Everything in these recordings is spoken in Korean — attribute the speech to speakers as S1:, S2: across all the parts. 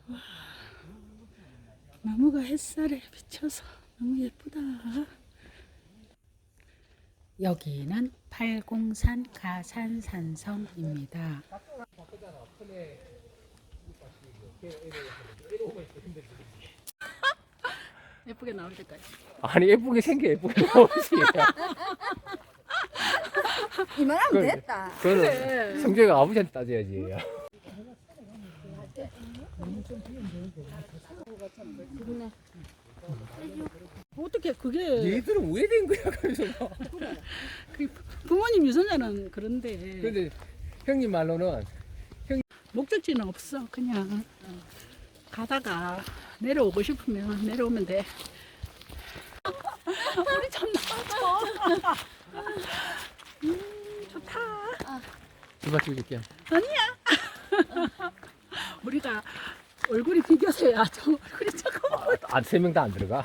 S1: 나무가 햇살에 비쳐서 너무 예쁘다. 여기는 팔공산 가산산성입니다. 예쁘게 나올 때까지.
S2: 아니 예쁘게 생겨 예쁘게 나오지.
S3: 이만하면 됐다.
S2: 그거는
S1: 그래.
S2: 성재가 아버지한테 따져야지.
S1: 어떻게 그게
S2: 얘들은 왜 된 거야 그래서.
S1: 그 부모님 유전자는 그런데
S2: 근데 형님 말로는
S1: 목적지는 없어. 그냥 가다가 내려오고 싶으면 내려오면 돼. 우리 참 나와줘. 좋다.
S2: 누가 찍을게.
S1: 아니야. 우리가 얼굴이 비교세야. 저 얼굴이 잠깐만.
S2: 세 명 다 안 들어가.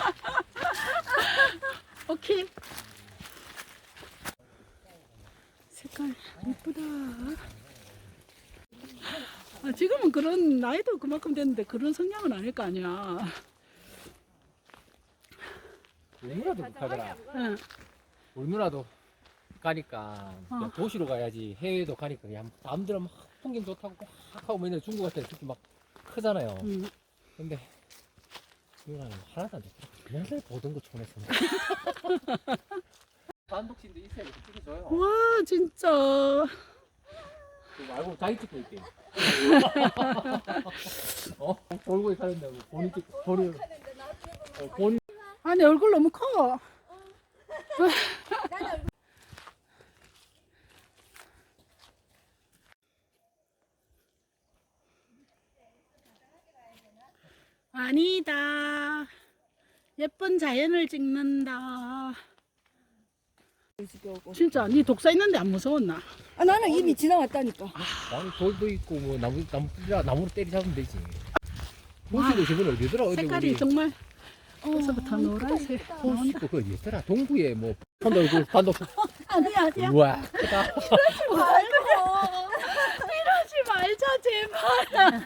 S1: 오케이. 색깔 예쁘다. 지금은 그런 나이도 그만큼 됐는데 그런 성향은 아닐 거 아니야.
S2: 우리 누나도 가더라.
S1: 응.
S2: 우리 누나도 가니까
S1: 어.
S2: 도시로 가야지 해외도 가니까 그냥 남들은 막 풍경 좋다고 막 하고 맨날 중국 같은 데 특히 막 크잖아요.
S1: 응.
S2: 근데 누나는 하나도 안 좋더라. 맨날 보던 거 촌에서. 단독신도 있어야 찍어줘요.
S1: 와 진짜.
S2: 그거 말고 자기 찍고 있게. 돌고에 사는다고 본인 찍고 본인.
S1: 아, 내 얼굴 너무 커. 아니다. 예쁜 자연을 찍는다. 진짜 네 독사 있는데 안 무서웠나?
S3: 아, 나는 이미 지나왔다니까.
S2: 아니 돌도 있고 뭐 나무로 때리 잡으면 되지. 호수도 저번에 어디더라? 어디
S1: 색깔이
S2: 우리
S1: 정말 벌써부터 노란색
S2: 호수
S1: 나온다.
S2: 있고 그 어디더라? 동구에 뭐 단독.
S1: 아니야 아니야.
S2: 우와 크다.
S1: 이러지 말자 제발.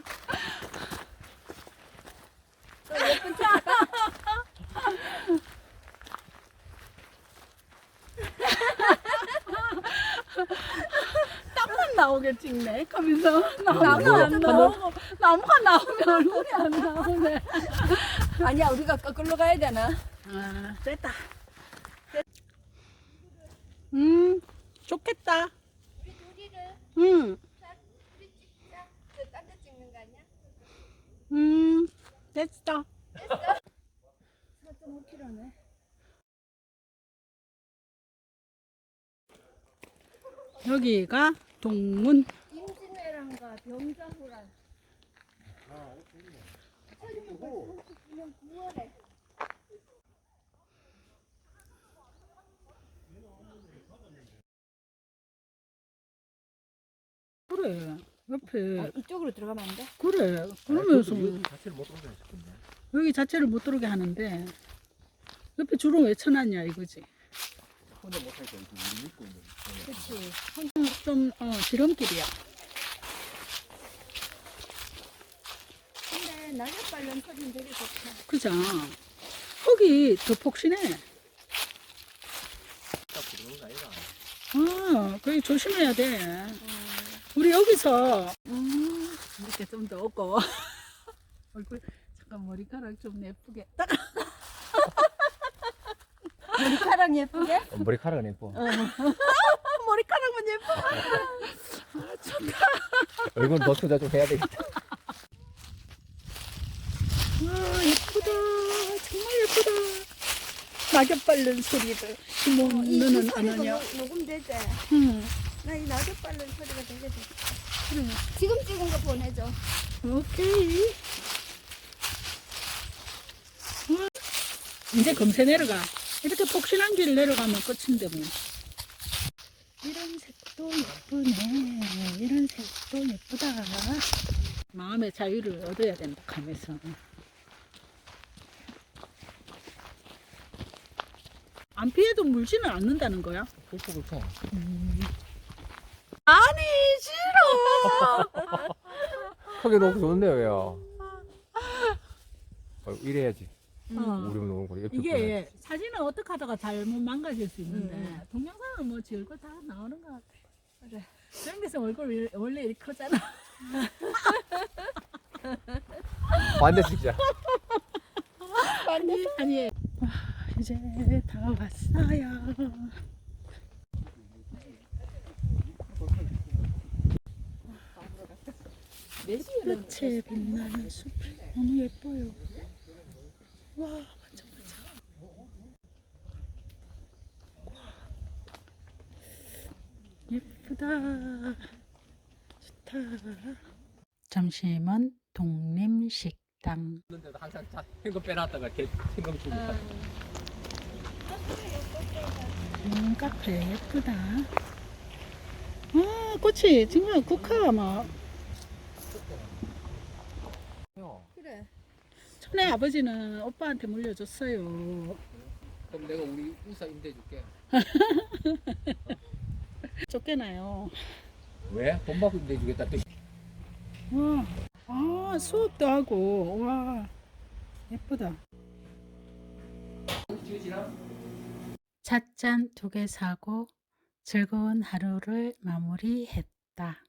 S1: 땀만 나오게 찍네. 하면서 나무가 안 나오고 나무가 나오면 얼굴이 안 나오네.
S3: 아니야, 우리가 거꾸로 가야 되나?
S1: 아 됐다. 좋겠다. 응. 됐어.
S3: 4.5km네.
S1: 여기가 동문.
S3: 임진왜란과 병자호란. 1939년 9월에.
S1: 그래. 옆에
S3: 이쪽으로 들어가면 안 돼?
S1: 그래. 그러면서
S2: 자체를 못 들어오네.
S1: 여기 자체를 못 들어오게 하는데 옆에 줄은 왜 쳐놨냐 이거지.
S2: 혼자 못하니까 우리 믿고 있는.
S3: 그치.
S1: 좀 지름길이야.
S3: 근데 낙엽 관련 소리는 되게 좋다.
S1: 그죠? 거기 더 폭신해.
S2: 딱 들어오는 거 아니라.
S1: 거기 조심해야 돼. 우리 여기서 이렇게 좀 더 없고 얼굴 잠깐 머리카락 좀 예쁘게 딱.
S3: 머리카락 예쁘게?
S2: 머리카락은 예뻐.
S1: 머리카락만 예뻐.
S2: 얼굴 더 투자 좀 해야 되겠다.
S1: 와 예쁘다. 정말 예쁘다. 낙엽 밟는 소리를 시몬누는 안 하냐?
S3: 녹음되지?
S1: 응.
S3: 나 이 낙엽 밟는 소리가 되게 좋다.
S1: 그래.
S3: 지금 찍은 거 보내줘.
S1: 오케이. 이제 금세 내려가. 이렇게 폭신한 길 내려가면 끝인데 뭐. 이런 색도 예쁘네. 이런 색도 예쁘다. 마음의 자유를 얻어야 된다 하면서. 안 피해도 물지는 않는다는 거야?
S2: 그렇죠.
S1: 아니 싫어.
S2: 크게 놓고 좋네요, 야. 이래야지.
S1: 어.
S2: 우리 놓는 거. 옆에 보면.
S1: 이게 사진은 어떻게 하다가 잘못 망가질 수 있는데 동영상은 뭐 지 얼굴 다 나오는 것 같아.
S3: 그래.
S1: 생기서 얼굴 원래 이렇게 크잖아.
S2: 반대 찍자.
S1: 아니 와, 이제 다 왔어요. 햇빛에 빛나는 숲 너무 예뻐요. 와 완전 예쁘다. 좋다. 점심은 독립식당.
S2: 그런데도 항상 현금 빼놨다가 현금 주고.
S1: 카페 예쁘다. 아 꽃이 정말 국화 막.
S3: 그래.
S1: 전에 아버지는 오빠한테 물려줬어요.
S2: 그럼 내가 우리 우사 임대 줄게.
S1: 쫓겨나요.
S2: 왜? 돈 받고 임대 주겠다. 또.
S1: 와, 아 수업도 하고 와 예쁘다. 찻잔 2개 사고 즐거운 하루를 마무리했다.